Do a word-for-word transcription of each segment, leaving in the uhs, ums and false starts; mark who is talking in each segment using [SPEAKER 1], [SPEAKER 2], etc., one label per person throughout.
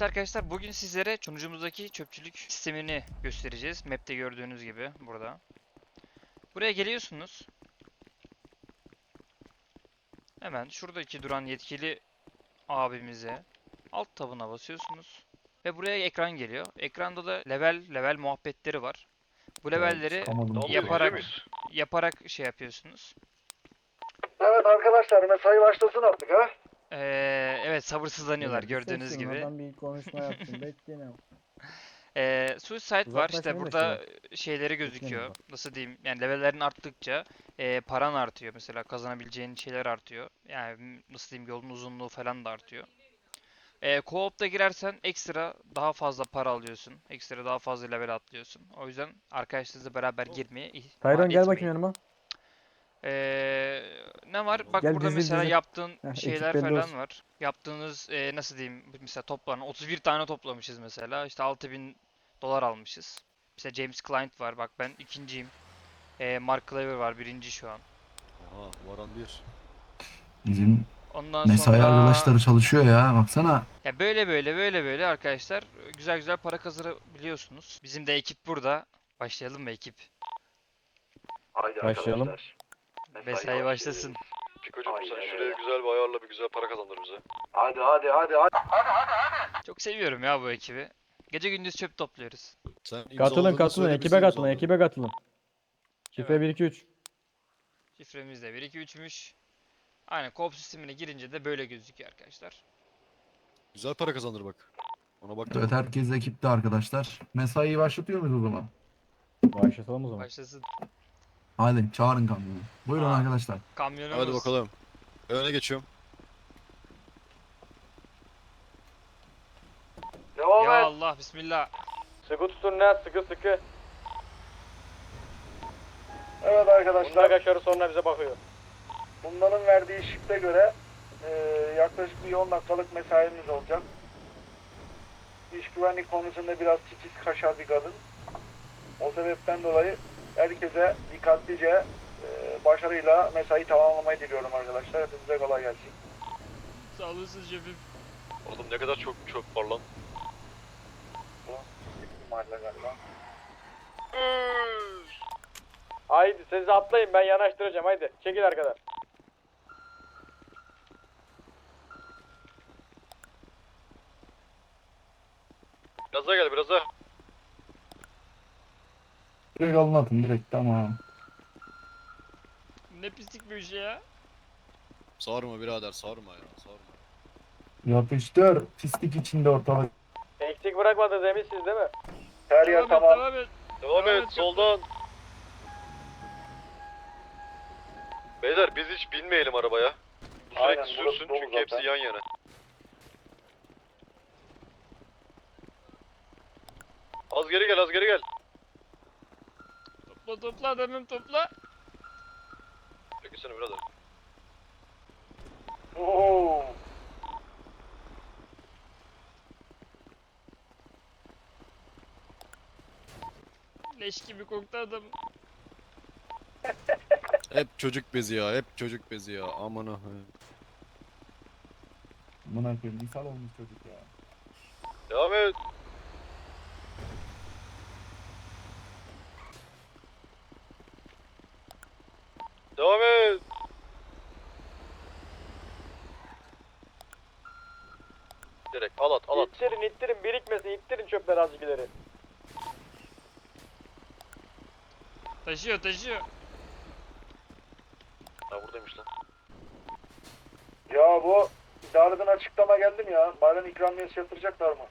[SPEAKER 1] arkadaşlar, bugün sizlere sunucumuzdaki çöpçülük sistemini göstereceğiz. Map'te gördüğünüz gibi burada. Buraya geliyorsunuz. Hemen şuradaki duran yetkili abimize alt tabına basıyorsunuz. Ve buraya ekran geliyor. Ekranda da level level muhabbetleri var. Bu levelleri yaparak yaparak şey yapıyorsunuz.
[SPEAKER 2] Evet arkadaşlar, mesai başlasın artık ha.
[SPEAKER 1] Ee, evet, sabırsızlanıyorlar
[SPEAKER 3] Beyler, bir
[SPEAKER 1] gördüğünüz
[SPEAKER 3] sessiz olun,
[SPEAKER 1] gibi.
[SPEAKER 3] adam bir konuşma yapsın. Bekleyin.
[SPEAKER 1] Ee, Suicide var, işte
[SPEAKER 3] Uzaklaşmayın da
[SPEAKER 1] burada
[SPEAKER 3] şeye.
[SPEAKER 1] şeyleri
[SPEAKER 3] Bekleyin
[SPEAKER 1] gözüküyor.
[SPEAKER 3] bak.
[SPEAKER 1] Nasıl diyeyim, yani levellerin arttıkça e, paran artıyor, mesela kazanabileceğin şeyler artıyor. Yani m- nasıl diyeyim, yolun uzunluğu falan da artıyor. E, co-op'ta girersen ekstra daha fazla para alıyorsun. Ekstra daha fazla level atlıyorsun. O yüzden arkadaşlarınızla beraber girmeye ihmal
[SPEAKER 3] Tayron gel bakayım
[SPEAKER 1] etmeyin.
[SPEAKER 3] yanıma.
[SPEAKER 1] Ee, ne var? Bak
[SPEAKER 3] Gel
[SPEAKER 1] burada
[SPEAKER 3] dizil
[SPEAKER 1] mesela
[SPEAKER 3] dizil.
[SPEAKER 1] yaptığın
[SPEAKER 3] Heh,
[SPEAKER 1] şeyler
[SPEAKER 3] ekip belli
[SPEAKER 1] falan
[SPEAKER 3] olsun.
[SPEAKER 1] var. Yaptığınız e, nasıl diyeyim, mesela toplanan otuz bir tane toplamışız mesela. İşte altı bin dolar almışız. Mesela James Client var. Bak ben ikinciyim. E, Mark Claver var, birinci şu an.
[SPEAKER 4] Aha, varan bir.
[SPEAKER 5] Bizim
[SPEAKER 1] Ondan
[SPEAKER 5] mesai
[SPEAKER 1] sonra
[SPEAKER 5] arkadaşları çalışıyor ya baksana.
[SPEAKER 1] ya böyle böyle böyle böyle arkadaşlar güzel güzel para kazanabiliyorsunuz. Bizim de ekip burada. Başlayalım mı ekip?
[SPEAKER 2] Haydi
[SPEAKER 3] Başlayalım.
[SPEAKER 2] arkadaşlar.
[SPEAKER 1] Mesai başlasın.
[SPEAKER 4] Pikocuğum sen
[SPEAKER 2] Aynen
[SPEAKER 4] şuraya
[SPEAKER 2] öyle.
[SPEAKER 4] güzel bir ayarla, bir güzel para kazandır bize.
[SPEAKER 2] Hadi hadi hadi hadi.
[SPEAKER 1] Çok seviyorum ya bu ekibi. Gece gündüz çöp topluyoruz.
[SPEAKER 4] Sen
[SPEAKER 3] Katılın
[SPEAKER 4] imzaladığında
[SPEAKER 3] katılın.
[SPEAKER 4] söyle,
[SPEAKER 3] Ekibe
[SPEAKER 4] biz de
[SPEAKER 3] katılın.
[SPEAKER 4] imzalayalım.
[SPEAKER 3] Ekibe katılın. Şifre
[SPEAKER 1] Evet.
[SPEAKER 3] bir iki üç.
[SPEAKER 1] Şifremiz de bir iki üçmüş. Aynen, co-op sistemine girince de böyle gözüküyor arkadaşlar.
[SPEAKER 4] Güzel para kazandır bak. Ona bak.
[SPEAKER 5] Evet, herkes ekipte arkadaşlar. Mesaiyi başlatıyor muyuz o zaman?
[SPEAKER 3] Başlatalım o zaman.
[SPEAKER 1] Başlasın.
[SPEAKER 5] Hadi çağırın kamyonu. Buyurun
[SPEAKER 1] Aa.
[SPEAKER 5] arkadaşlar.
[SPEAKER 1] Kamyonumuz.
[SPEAKER 4] Hadi bakalım. Öne geçiyorum.
[SPEAKER 2] Devam
[SPEAKER 1] Ya
[SPEAKER 2] et.
[SPEAKER 1] Allah, bismillah.
[SPEAKER 6] Sıkı tutun lan, sıkı sıkı.
[SPEAKER 2] Evet
[SPEAKER 6] Bunlar
[SPEAKER 2] arkadaşlar,
[SPEAKER 6] kaçarı sonra bize bakıyor.
[SPEAKER 2] bunların verdiği şifte göre e, yaklaşık bir on dakikalık mesaimiz olacak. İş güvenlik konusunda biraz titiz kaşar bir kadın. O sebepten dolayı herkese dikkatlice e, başarıyla mesai tamamlamayı diliyorum arkadaşlar. Hepinize kolay gelsin.
[SPEAKER 1] Sağ olasın şefim.
[SPEAKER 4] Oğlum ne kadar çok çöp var lan.
[SPEAKER 2] Mahalle galiba.
[SPEAKER 6] Haydi siz atlayın, ben yanaştıracağım, haydi. Çekil arkadan.
[SPEAKER 4] Biraz daha gel, biraz daha.
[SPEAKER 5] Direkt alın atın direkt, tamam.
[SPEAKER 1] Ne pislik bir şey ya.
[SPEAKER 4] Sarma birader, sarma ya, sarma.
[SPEAKER 5] Yapıştır. Pislik içinde ortalık.
[SPEAKER 6] Eksik bırakmadınız eminsiniz değil mi?
[SPEAKER 2] Her yer
[SPEAKER 1] Devam et,
[SPEAKER 2] tamam.
[SPEAKER 1] devam et.
[SPEAKER 4] Devam
[SPEAKER 1] Evet,
[SPEAKER 4] et, soldan. Beyler biz hiç binmeyelim arabaya. Bu
[SPEAKER 2] Aynen,
[SPEAKER 4] sürekli
[SPEAKER 2] burası
[SPEAKER 4] sürsün
[SPEAKER 2] dolu
[SPEAKER 4] çünkü hepsi
[SPEAKER 2] zaten.
[SPEAKER 4] yan yana. Az geri gel, az geri gel.
[SPEAKER 1] Topla topla adamım, topla.
[SPEAKER 4] Çekilsene birader.
[SPEAKER 2] Oo.
[SPEAKER 1] Leş gibi koktu adam.
[SPEAKER 4] Hep çocuk bezi ya, hep çocuk bezi ya. Aman ha.
[SPEAKER 5] Buna koyayım. Misal olmuş çocuk ya.
[SPEAKER 4] Devam et. Devam et. Direkt al at, al at.
[SPEAKER 6] İttirin, ittirin, birikmesin, ittirin çöpleri azıcık ileri.
[SPEAKER 1] Taşıyor taşıyor.
[SPEAKER 4] Ha buradaymış lan.
[SPEAKER 2] Ya bu idareden açıklama geldim ya. Bayram ikramiyesi yatıracaklar mı?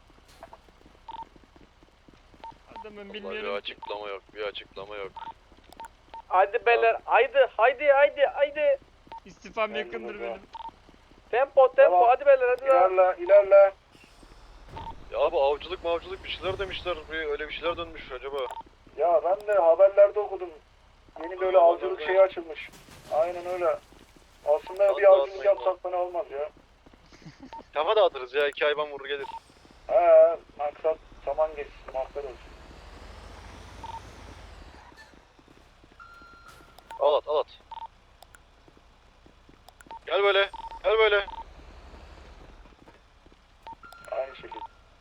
[SPEAKER 1] Adamım
[SPEAKER 4] Vallahi bir
[SPEAKER 1] bilmiyorum ki.
[SPEAKER 4] açıklama yok, bir açıklama yok.
[SPEAKER 6] Haydi beyler, haydi, haydi, haydi, haydi.
[SPEAKER 1] İstifam
[SPEAKER 2] Ben
[SPEAKER 1] yakındır
[SPEAKER 2] de
[SPEAKER 1] benim.
[SPEAKER 6] Tempo, tempo,
[SPEAKER 2] Tamam.
[SPEAKER 6] hadi beyler, hadi lan.
[SPEAKER 2] İlerle, ilerle.
[SPEAKER 4] Ya abi avcılık mavcılık bir şeyler demişler, bir öyle bir şeyler dönmüş acaba.
[SPEAKER 2] Ya ben de haberlerde okudum. Yeni böyle avcılık şeyi açılmış. Aynen öyle. Aslında
[SPEAKER 4] Hadi
[SPEAKER 2] bir avcılık
[SPEAKER 4] dağıtmayın
[SPEAKER 2] yapsak fena olmaz ya.
[SPEAKER 4] Kafa dağıtırız ya, iki hayvan vurur gelir.
[SPEAKER 2] He, maksat saman geçsin, mahtar olsun.
[SPEAKER 4] Al at, al at. Gel böyle, gel böyle.
[SPEAKER 2] Aynı şekilde.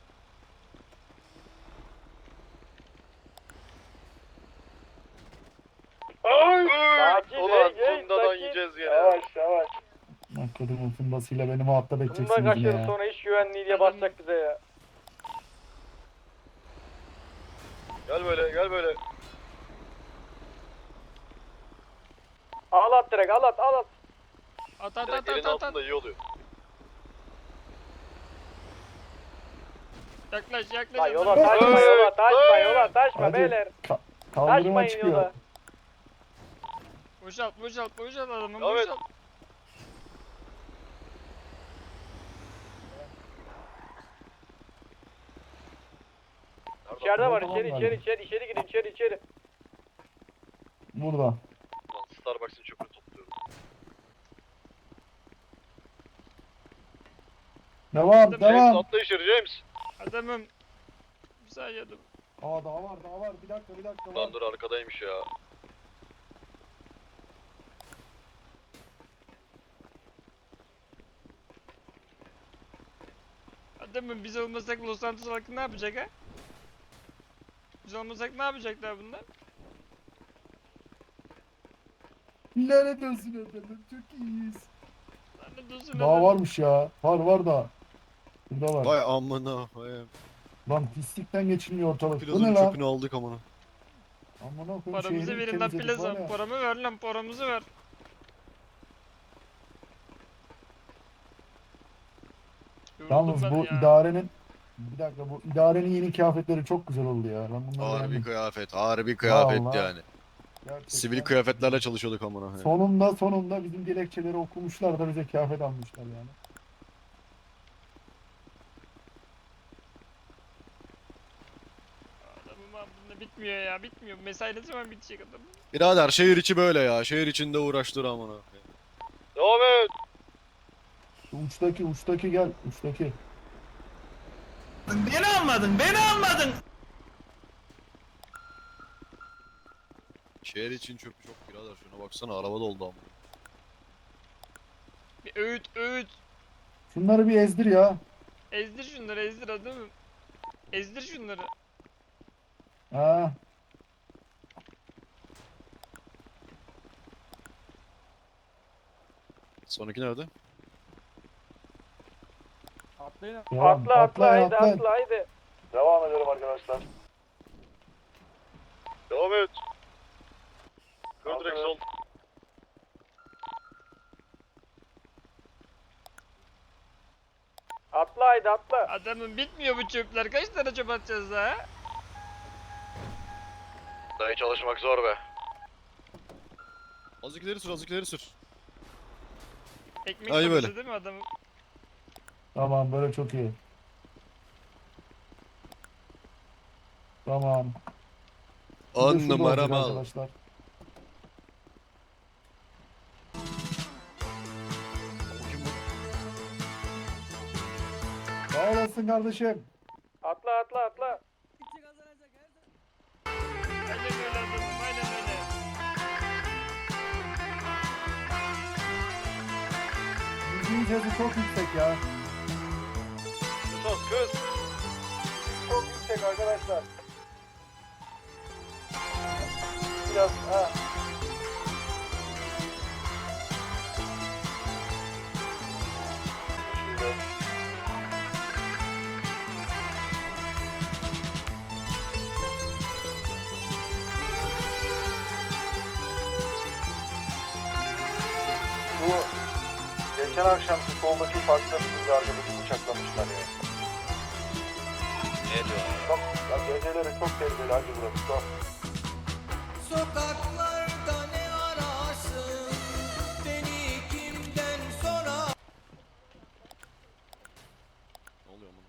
[SPEAKER 4] Ay!
[SPEAKER 6] Sakin,
[SPEAKER 4] Ulan
[SPEAKER 6] hey, hey,
[SPEAKER 4] bundadan
[SPEAKER 6] sakin.
[SPEAKER 4] yiyeceğiz gene.
[SPEAKER 2] Yavaş yavaş.
[SPEAKER 5] Nakkadı'nın fundasıyla beni muhatap
[SPEAKER 6] Bundan
[SPEAKER 5] edeceksiniz
[SPEAKER 6] kaç
[SPEAKER 5] yine
[SPEAKER 6] yıl
[SPEAKER 5] ya.
[SPEAKER 6] sonra iş güvenliği diye basacak bize ya.
[SPEAKER 4] Gel böyle gel böyle.
[SPEAKER 6] Al at direkt al at al at.
[SPEAKER 1] At at
[SPEAKER 4] Direkt
[SPEAKER 1] at
[SPEAKER 4] elin
[SPEAKER 1] at at. at.
[SPEAKER 4] altında iyi oluyor.
[SPEAKER 1] Yaklaş yaklaş.
[SPEAKER 6] Lan yola
[SPEAKER 1] adamı.
[SPEAKER 6] taşma
[SPEAKER 4] Hey,
[SPEAKER 6] yola taşma
[SPEAKER 4] hey.
[SPEAKER 6] yola taşma
[SPEAKER 5] Hadi.
[SPEAKER 6] beyler.
[SPEAKER 5] Ka- kaldırıma
[SPEAKER 6] Taşmayın
[SPEAKER 5] çıkıyor.
[SPEAKER 6] yola.
[SPEAKER 1] Boşalt boşalt boşalt adamı
[SPEAKER 4] Evet.
[SPEAKER 1] boşalt.
[SPEAKER 4] Nerede?
[SPEAKER 6] İçeride var
[SPEAKER 5] Tamam,
[SPEAKER 6] içeri
[SPEAKER 5] tamam,
[SPEAKER 6] içeri içeri içeri gidin içeri içeri.
[SPEAKER 5] Burada.
[SPEAKER 4] Lan Starbucks'ın çöpünü topluyorum.
[SPEAKER 5] Devam
[SPEAKER 1] James,
[SPEAKER 4] James
[SPEAKER 5] devam.
[SPEAKER 4] atla içeri James.
[SPEAKER 1] Adamım. Bir saniye dur.
[SPEAKER 5] Aa daha var daha var. Bir dakika bir dakika. Var.
[SPEAKER 4] Lan dur arkadaymış ya.
[SPEAKER 1] Adamım biz olmasak Los Santos halkı ne yapacak ha? Biz olmasak ne yapacaklar bunlar?
[SPEAKER 5] Lanet olsun efendim. Çok iyiyiz.
[SPEAKER 1] Lanet olsun
[SPEAKER 5] Daha
[SPEAKER 1] adam.
[SPEAKER 5] varmış ya. Var var da. Burada var.
[SPEAKER 7] Vay amına koyayım.
[SPEAKER 5] Lan pislikten geçilmiyor ortalık. Bu
[SPEAKER 7] Plazanın
[SPEAKER 5] ne lan?
[SPEAKER 7] çöpünü aldık amına.
[SPEAKER 5] Amına koyayım,
[SPEAKER 1] Paramızı
[SPEAKER 5] şehri
[SPEAKER 1] verin lan
[SPEAKER 5] temizledik var
[SPEAKER 1] plaza.
[SPEAKER 5] ya.
[SPEAKER 1] Paramı ver lan paramızı ver. Yoruldum
[SPEAKER 5] Yalnız
[SPEAKER 1] ben
[SPEAKER 5] bu
[SPEAKER 1] ya.
[SPEAKER 5] idarenin bir dakika bu idarenin yeni kıyafetleri çok güzel oldu ya. Ben bunları
[SPEAKER 7] Harbi
[SPEAKER 5] beğendim.
[SPEAKER 7] kıyafet, harbi kıyafet
[SPEAKER 5] Vallahi.
[SPEAKER 7] yani.
[SPEAKER 5] Gerçekten.
[SPEAKER 7] Sivil kıyafetlerle çalışıyorduk amına koyayım.
[SPEAKER 5] Sonunda sonunda bizim dilekçeleri okumuşlar da bize kıyafet almışlar yani.
[SPEAKER 1] Adamım abi bunda bitmiyor ya bitmiyor. Mesai ne zaman bitecek adam?
[SPEAKER 7] Birader şehir içi böyle ya. Şehir içinde uğraştır amına koyayım.
[SPEAKER 4] Devam et.
[SPEAKER 5] Şu uçtaki uçtaki gel uçtaki.
[SPEAKER 7] Şehir için çöpü çok birader. Şuna baksana araba doldu amına.
[SPEAKER 1] Bir öğüt öğüt.
[SPEAKER 5] Şunları bir ezdir ya.
[SPEAKER 1] Ezdir şunları ezdir adamım. Ezdir şunları.
[SPEAKER 5] Ha.
[SPEAKER 7] Sonraki nerede?
[SPEAKER 3] Atlayın.
[SPEAKER 5] Devam.
[SPEAKER 6] Atla atla
[SPEAKER 5] Atlayın,
[SPEAKER 6] haydi
[SPEAKER 5] atlayın.
[SPEAKER 6] atla haydi.
[SPEAKER 2] Devam ediyorum arkadaşlar.
[SPEAKER 4] Devam et. Kır
[SPEAKER 2] Tamam,
[SPEAKER 4] direkt
[SPEAKER 2] evet.
[SPEAKER 4] sol.
[SPEAKER 6] Atla haydi atla.
[SPEAKER 1] Adamım bitmiyor bu çöpler. Kaç tane çöp atacağız daha?
[SPEAKER 4] Dayı çalışmak zor be.
[SPEAKER 7] Azıcık ileri sür, azıcık ileri sür.
[SPEAKER 1] Ekmek
[SPEAKER 7] Ay
[SPEAKER 1] parası
[SPEAKER 7] böyle.
[SPEAKER 1] değil mi adamım?
[SPEAKER 5] Tamam böyle çok iyi. Tamam. Bir de
[SPEAKER 7] On
[SPEAKER 5] şurada
[SPEAKER 7] numara
[SPEAKER 5] olacak
[SPEAKER 7] mal.
[SPEAKER 5] arkadaşlar. Sağ olasın kardeşim.
[SPEAKER 6] Atla atla atla.
[SPEAKER 1] Aynen öyle adamım aynen öyle.
[SPEAKER 5] Müziğin sesi çok yüksek ya.
[SPEAKER 4] Sus kız.
[SPEAKER 2] Çok yüksek arkadaşlar. Biraz ha. Şöyle. Bu geçen akşamki soldaki parkta bizim bir arkadaşı bıçaklamışlar ya.
[SPEAKER 4] Ne diyor?
[SPEAKER 2] Çok, ya geceleri çok tehlikeli hacı burası. Çok.
[SPEAKER 8] Sokaklarda ne ararsın? Beni kimden sorar?
[SPEAKER 7] Ne oluyor amına?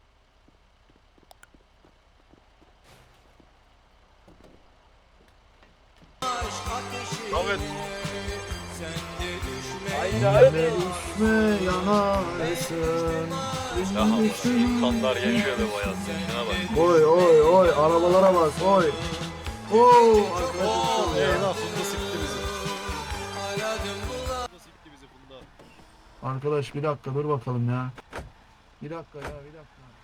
[SPEAKER 8] Aşk ateşi
[SPEAKER 4] Devam et.
[SPEAKER 8] sen de düşme.
[SPEAKER 6] Haydi haydi.
[SPEAKER 5] Düşme yanarsın.
[SPEAKER 4] Ya insanlar yaşıyor be bu hayatta. Şuna bak.
[SPEAKER 5] Oy oy oy arabalara bak oy. Oo
[SPEAKER 7] Eyvah Funda sikti bizi.
[SPEAKER 8] Aradım bulan.
[SPEAKER 7] Funda sikti bizi Funda.
[SPEAKER 5] Arkadaş bir dakika dur bakalım ya. Bir dakika ya bir dakika.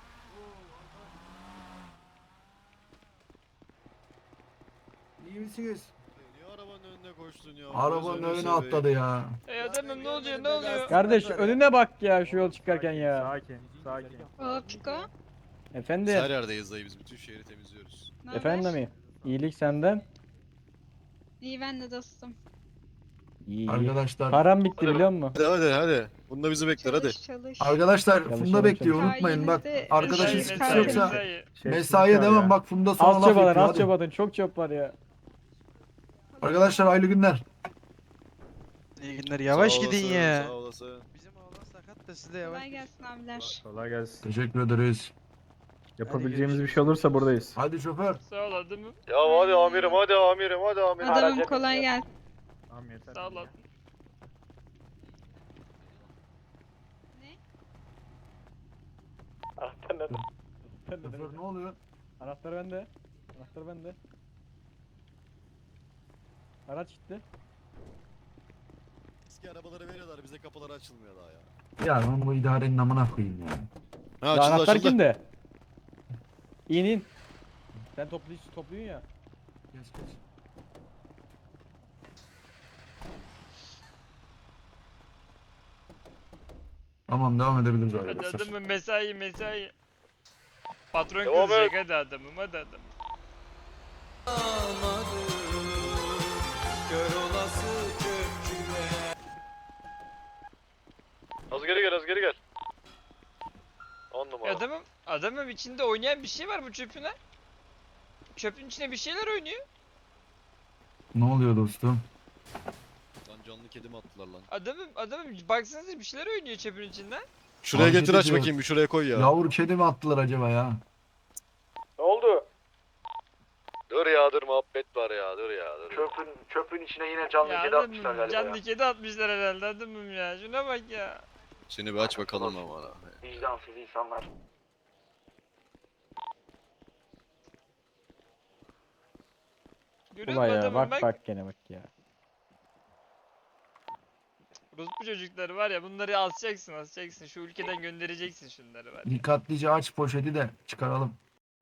[SPEAKER 5] İyi misiniz?
[SPEAKER 7] Niye arabanın önüne koştun ya?
[SPEAKER 5] Arabanın
[SPEAKER 7] Gözünü
[SPEAKER 5] önüne
[SPEAKER 7] seveyim.
[SPEAKER 5] atladı ya.
[SPEAKER 1] Ey adamım ne oluyor ne oluyor?
[SPEAKER 3] Kardeş önüne bak ya şu yol çıkarken ya.
[SPEAKER 9] Sakin, sakin.
[SPEAKER 10] O Piko.
[SPEAKER 3] Efendim.
[SPEAKER 7] Her yerdeyiz dayı, biz bütün şehri temizliyoruz.
[SPEAKER 10] Ne haber?
[SPEAKER 3] Efendim mi? İyilik senden.
[SPEAKER 10] İyi ben de dostum.
[SPEAKER 3] İyi.
[SPEAKER 5] Arkadaşlar.
[SPEAKER 3] Param bitti biliyor musun?
[SPEAKER 7] Hadi hadi hadi. Bunda bizi bekler hadi.
[SPEAKER 10] Çalış çalış.
[SPEAKER 5] Arkadaşlar
[SPEAKER 3] Çalışalım,
[SPEAKER 5] Funda bekliyor
[SPEAKER 3] çalışalım.
[SPEAKER 5] unutmayın bak.
[SPEAKER 10] Sayenizde
[SPEAKER 5] Arkadaşın
[SPEAKER 10] mesai
[SPEAKER 5] sıkıntı
[SPEAKER 10] mesai.
[SPEAKER 5] yoksa
[SPEAKER 1] mesai.
[SPEAKER 9] Şey,
[SPEAKER 5] mesaiye
[SPEAKER 9] sıkıntı
[SPEAKER 5] devam
[SPEAKER 9] ya.
[SPEAKER 5] bak Funda sana
[SPEAKER 3] Az
[SPEAKER 5] laf
[SPEAKER 3] çabadan
[SPEAKER 5] yapıyor
[SPEAKER 3] az
[SPEAKER 5] hadi.
[SPEAKER 3] çabadan çok çöp var ya.
[SPEAKER 5] Arkadaşlar hayırlı günler.
[SPEAKER 11] İyi günler. Yavaş
[SPEAKER 7] Sağ
[SPEAKER 11] gidin
[SPEAKER 7] olasın,
[SPEAKER 11] ya.
[SPEAKER 7] Sağ olasın.
[SPEAKER 11] Bizim oğlan sakat da siz de yavaş
[SPEAKER 10] Kolay
[SPEAKER 11] gidin.
[SPEAKER 10] gelsin abiler.
[SPEAKER 9] Kolay gelsin.
[SPEAKER 5] Teşekkür ederiz.
[SPEAKER 9] Yapabileceğimiz bir şey olursa buradayız.
[SPEAKER 5] Hadi şoför.
[SPEAKER 1] Sağ ol adamım.
[SPEAKER 4] Ya hadi amirim hadi amirim hadi amirim.
[SPEAKER 10] Adamım
[SPEAKER 6] Araca
[SPEAKER 10] kolay
[SPEAKER 6] biniyor.
[SPEAKER 10] gelsin.
[SPEAKER 9] Tamam yeter.
[SPEAKER 1] Sağ ol adamım.
[SPEAKER 6] Anahtar nerede?
[SPEAKER 5] Şoför ne oluyor?
[SPEAKER 3] Anahtar bende. Anahtar bende. Araç gitti.
[SPEAKER 7] Eski arabaları veriyorlar, bize kapıları açılmıyor daha ya.
[SPEAKER 5] Ya ben bu idarenin amına koyayım ya.
[SPEAKER 7] Ha
[SPEAKER 3] Ya
[SPEAKER 7] açıldı
[SPEAKER 3] anahtar
[SPEAKER 7] açıldı.
[SPEAKER 3] kimde? İn in. Sen topluyorsun, topluyorsun ya.
[SPEAKER 5] Geç geç. Tamam devam edebiliriz
[SPEAKER 1] Hadi
[SPEAKER 5] arkadaşlar.
[SPEAKER 1] adamım mesai mesai. Patron
[SPEAKER 4] Devam
[SPEAKER 1] kızacak
[SPEAKER 4] et.
[SPEAKER 1] hadi adamım hadi adamım.
[SPEAKER 8] Olamadı. Kör olası çöpçüler.
[SPEAKER 4] Az geri gel az geri gel. On numara.
[SPEAKER 1] Adamım adamım içinde oynayan bir şey var bu çöpün ha. Çöpün içine bir şeyler oynuyor.
[SPEAKER 5] Ne oluyor dostum?
[SPEAKER 7] Lan canlı kedi mi attılar lan?
[SPEAKER 1] Adamım adamım baksanıza bir şeyler oynuyor çöpün içinden.
[SPEAKER 7] Şuraya
[SPEAKER 5] Hareket
[SPEAKER 7] getir aç
[SPEAKER 5] ediyor.
[SPEAKER 7] bakayım, bir şuraya koy ya.
[SPEAKER 5] Yavru kedi mi attılar acaba ya?
[SPEAKER 6] Ne oldu?
[SPEAKER 4] Dur ya dur muhabbet var ya dur ya dur.
[SPEAKER 2] Çöpün, çöpün içine yine canlı
[SPEAKER 1] Ya
[SPEAKER 2] kedi atmışlar
[SPEAKER 1] adamım
[SPEAKER 2] galiba
[SPEAKER 1] canlı
[SPEAKER 2] ya.
[SPEAKER 1] kedi atmışlar herhalde adamım ya. Şuna bak ya.
[SPEAKER 7] Seni bir aç bakalım ama.
[SPEAKER 2] Vicdansız insanlar.
[SPEAKER 1] Görüyor
[SPEAKER 3] Ulan
[SPEAKER 1] musun
[SPEAKER 3] ya
[SPEAKER 1] adamım
[SPEAKER 3] bak
[SPEAKER 1] bak.
[SPEAKER 3] bak gene bak ya.
[SPEAKER 1] Ruslu çocukları var ya bunları asacaksın asacaksın. Şu ülkeden göndereceksin şunları var.
[SPEAKER 5] Dikkatlice aç poşeti de çıkaralım.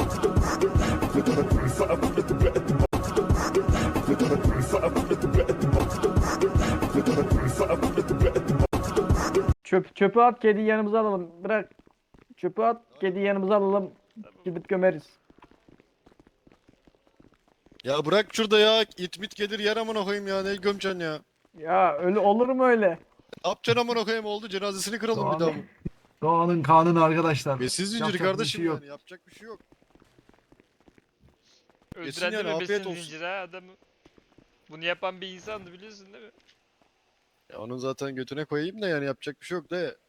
[SPEAKER 3] Çöp çöpü at kediyi yanımıza alalım. Bırak. Çöpü at kediyi yanımıza alalım. Gidip gömeriz.
[SPEAKER 7] Ya bırak şurada ya, it mit gelir yer amına koyayım ya, ne gömeceksin ya.
[SPEAKER 3] Ya öyle olur mu öyle?
[SPEAKER 7] Ne yapacaksın amına koyayım, oldu cenazesini kıralım bir daha.
[SPEAKER 5] Doğanın, doğanın kanunu arkadaşlar.
[SPEAKER 7] Besiz zinciri
[SPEAKER 5] Yapacak bir
[SPEAKER 7] kardeşim
[SPEAKER 5] şey yok.
[SPEAKER 7] yani, yapacak bir şey yok.
[SPEAKER 1] Öldüren
[SPEAKER 7] yani,
[SPEAKER 1] de mi
[SPEAKER 7] afiyet
[SPEAKER 1] besin
[SPEAKER 7] olsun.
[SPEAKER 1] zinciri ha adamı. Bunu yapan bir insandı biliyorsun değil mi?
[SPEAKER 7] Ya onun zaten götüne koyayım da yani, yapacak bir şey yok da.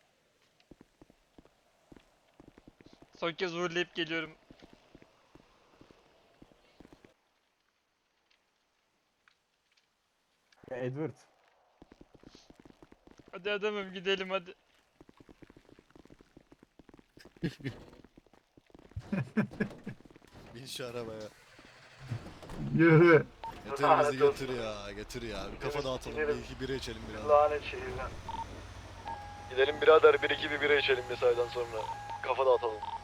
[SPEAKER 1] Son kez uğurlayıp geliyorum.
[SPEAKER 3] Edward.
[SPEAKER 1] Hadi adamım gidelim hadi.
[SPEAKER 7] Bin şu arabaya.
[SPEAKER 5] Yürü.
[SPEAKER 7] Getir bizi getir ya, getir ya. Bir kafa dağıtalım, bir
[SPEAKER 2] gidelim.
[SPEAKER 7] iki bira içelim biraz.
[SPEAKER 2] Lanet şehirden.
[SPEAKER 4] Gidelim birader bir iki bir bira içelim mesaiden sonra. Kafa dağıtalım.